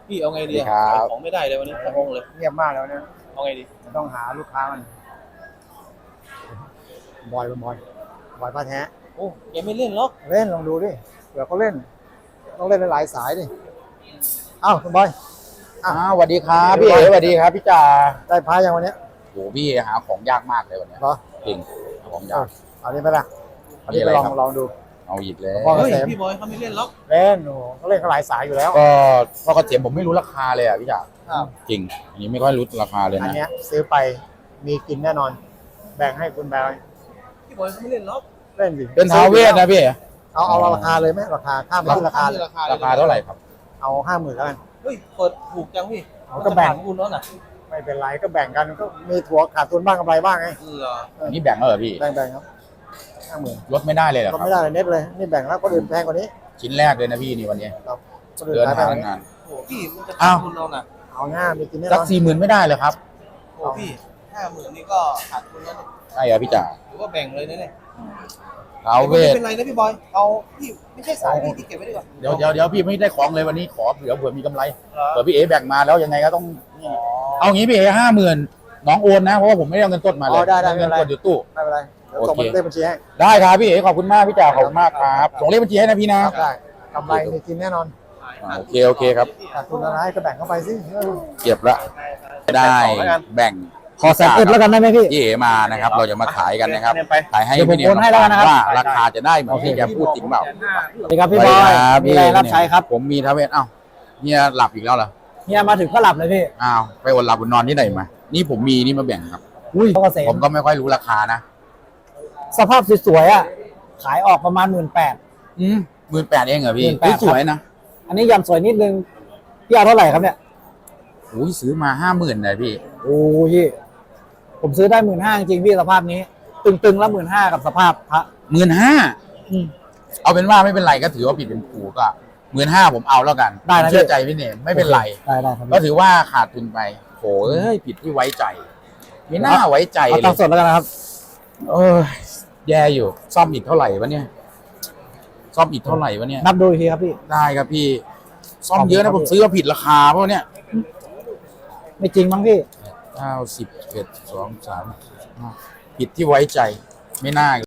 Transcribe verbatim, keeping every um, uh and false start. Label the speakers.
Speaker 1: พี่เอาไงดี
Speaker 2: ครั
Speaker 1: ขาย
Speaker 2: บ
Speaker 1: ของไม่ได้เลยวันนี้ทั้งองค์เลย
Speaker 3: เงียบมากแล้วเนี่ย
Speaker 1: เอาไงดี
Speaker 3: มันต้องหาลูกค้ามันบอยบอยบอยป้าแท้
Speaker 1: โอ้แกไม่เล่นหรอก
Speaker 3: เล่นลองดูดิเผื่อเขาเล่น ต้องเล่นหลายๆสายดิอ้าวคุณบอย
Speaker 2: อ้าวสวัสดีครับพี่เอ๋สวัสดีครับพี่จ่า
Speaker 3: ได้พายังวันเนี้ย
Speaker 2: โหพี่หาของยากมากเลยวันเนี้ย
Speaker 3: เหรอ
Speaker 2: จริงหาของยา
Speaker 3: เอา
Speaker 2: ก
Speaker 3: เอานี้ไปละเอานี้
Speaker 2: มีอะ
Speaker 3: ไป
Speaker 2: ไร
Speaker 3: ลอง
Speaker 2: ครับ
Speaker 3: ลองดู
Speaker 2: เอาหยิบเลย
Speaker 3: พ่อ
Speaker 1: เฮ้ย
Speaker 3: เกษม
Speaker 1: พี่บอยเขาไม่เล่นหรอก
Speaker 3: เล่นโอ้โหเขาเล่นเขาหลายสายอยู่แล้ว
Speaker 2: ก็พ่อกระเทียมผมไม่รู้ราคาเลยอ่ะพี่จ่า
Speaker 3: ครับ
Speaker 2: จริงอันนี้ไม่ค่อยรู้ราคาเลย
Speaker 3: อัน
Speaker 2: นะ
Speaker 3: เนี้ยซื้อไปมีกินแน่นอน แบ่งให้คุณแบง
Speaker 1: พี่บอยเขาไม่เล่นหรอก
Speaker 3: เล่นสิ
Speaker 2: เป็นท้าวเวทนะพี่เอ๋
Speaker 3: เอาเอาราคาเลยไหมราคาข้ามไปที่ราคาเลย
Speaker 1: ราคา
Speaker 2: ราคาเท่าไหร่ครับ
Speaker 3: เอาห้าหมื่นแล้วกัน
Speaker 1: เฮ้ยเปิดถูกจังพี่
Speaker 3: เอาก็แบ่ง
Speaker 1: จะผ่านคุณแล้วน่ะ
Speaker 3: ไม่เป็นไรก็แบ่งกันก็มีถั่วขาดทุนบ้างกำไรบ้างไง
Speaker 1: เออ
Speaker 2: อันนี้แบ่งแล้วเหรอพี่
Speaker 3: แบ่งแบ่งครับห้าหมื่น
Speaker 2: ลดไม่ได้เลยเหรอ
Speaker 3: ก็
Speaker 2: ครับ
Speaker 3: ไม่ได้เลยเน็ตเลยนี่แบ่งแล้วคนอื่นแพงกว่านี้
Speaker 2: ชิ้นแรกเลยนะพี่นี่วันนี้
Speaker 3: ครับคนอื่น
Speaker 2: เดิน
Speaker 3: ขายแพ
Speaker 2: ทาง ง
Speaker 3: กว่านี้
Speaker 2: งาน
Speaker 1: โอ้พี่มันจะ
Speaker 2: อ้า
Speaker 1: ขาว ดทุนเราน่ะ
Speaker 3: เอาง่ายมีกินแน่น
Speaker 2: สัก
Speaker 3: อน
Speaker 2: สี่หมื่นไม่ได้เลยครับ
Speaker 1: โอ้พี่ห้าหมื่นนี่ก็ขาดทุนแล้วเนี่ย
Speaker 2: ใช่เหรอพี่จ่า
Speaker 1: หรือว่าแบ่งเลยนะเนี่ย
Speaker 2: ท้าวเว
Speaker 1: ไม่
Speaker 2: ท
Speaker 1: เป็นไรนะพี่บอยเอาพี่ไม่ใช่สายพี่ที่เก็บไว้ดีกว่า
Speaker 2: เดี๋ยวเดี๋ยวเดี๋ยวพี่ไม่ได้ของเลยวันนี้ขอเผื่อเผื่อมีกำไร
Speaker 1: เหรอ
Speaker 2: เผื่อพี่เอ๋แบ่งมาแล้วยังไงก็ต้องนี่เอางี้พี่เอ๋ห้าหมื่นน้องโอนนะเพราะว่าผมไม่ได้เอาเงินต้นมาเล
Speaker 3: อ๋
Speaker 2: ย
Speaker 3: อได้ได้ไม่
Speaker 2: เงิ
Speaker 3: เป็น นไร
Speaker 2: กดอยู่ตู้
Speaker 3: ไม่เป็นไรเดี๋ยวส่ง
Speaker 2: โอเค
Speaker 3: เลขบัญชีให้
Speaker 2: ได้ครับพี่เอ๋ขอบคุณมากพี่จ่าขอบคุณมากครับส่งเลขบัญชีให้นะพี่นะครับ
Speaker 3: ได้กำไรมีกินแน่นอน
Speaker 2: อ่าโอเคโอเคครับ
Speaker 3: ขาดทุนอะไรก็แบ่งเข้าไปสิเออ
Speaker 2: เก็บละได้แบ่ง
Speaker 3: ขอแสนเอ็ดแล้วกันได้ไหมพี่
Speaker 2: พี่เอ๋มานะครับ เราจะมาขายกันนะครับขายให้
Speaker 3: เดี๋ยวผม
Speaker 2: พี่เนี่ย
Speaker 3: โอนให้แล้วกันนะครับ
Speaker 2: ว่าราคาจะได้เหมือนที่แกพูดจริงเปล่า
Speaker 3: สวัสดีครับพี่บอย
Speaker 2: สวัสดีครับ
Speaker 3: มีอะไรรับใช้ครับ
Speaker 2: ผมมีทาวเวศอ้าวเนี่ยหลับอีกแล้วเหรอ
Speaker 3: เฮียมาถึงก็หลับเลยพี่
Speaker 2: อ้าวไปอดหลับอดนอนที่ไหนมานี่ผมมีนี่มาแบ่งครับ
Speaker 3: อุ้ยพ่อเกษ
Speaker 2: ผม มก็ไม่ค่อยรู้ราคานะ
Speaker 3: สภาพสวยๆอ่ะขายออกประมาณหมื่นแปด
Speaker 2: อืมหมื่นแปดเองเหรอพี่
Speaker 3: หมื่นแปด
Speaker 2: สวยนะ
Speaker 3: อันนี้ยำสวยนิดนึงพี่เอาเท่าไหร่ครับเนี่ย
Speaker 2: โอ้ยซื้อมาห้าหมื่นเลยพี่
Speaker 3: โอ้ยพี่ผมซื้อได้หมื่นห้าจริงๆพี่สภาพนี้ ตึงๆแล้วหมื่นห้ากับสภาพพระ
Speaker 2: หมื่นห้า
Speaker 3: อืม
Speaker 2: เอาเป็นว่าไม่เป็นไรก็ถือว่าผิดเป็นผูก็หมื่นห้าผมเอาแล้วกัน
Speaker 3: ได้นะ
Speaker 2: ผมเชื่อใจพี่เนมไม่เป็นไร
Speaker 3: ได้ได้ครับ
Speaker 2: ก็ถือว่าขาดทุนไปโหเอ้ยผิดที่ไว้ใจไม่น่าไว้ใจ
Speaker 3: เอา
Speaker 2: เล
Speaker 3: ตัง
Speaker 2: ย
Speaker 3: ค์สดแล้วกันนะครับ
Speaker 2: เออแย่อยู่ ซ่อมอีกเท่าไหร่วะเนี่ย ซ่อมอีกเท่าไหร่วะเนี่ย
Speaker 3: นับดูอีกทีครับพี่
Speaker 2: ได้ครับพี่ ซ่อมเยอะนะผมซื้อมาผิดราคาเพราะเนี่ย
Speaker 3: ไม่จริงมั้งพี่
Speaker 2: เก้าสิบเอ็ดสองสามห้าผิดที่ไว้ใจไม่น่า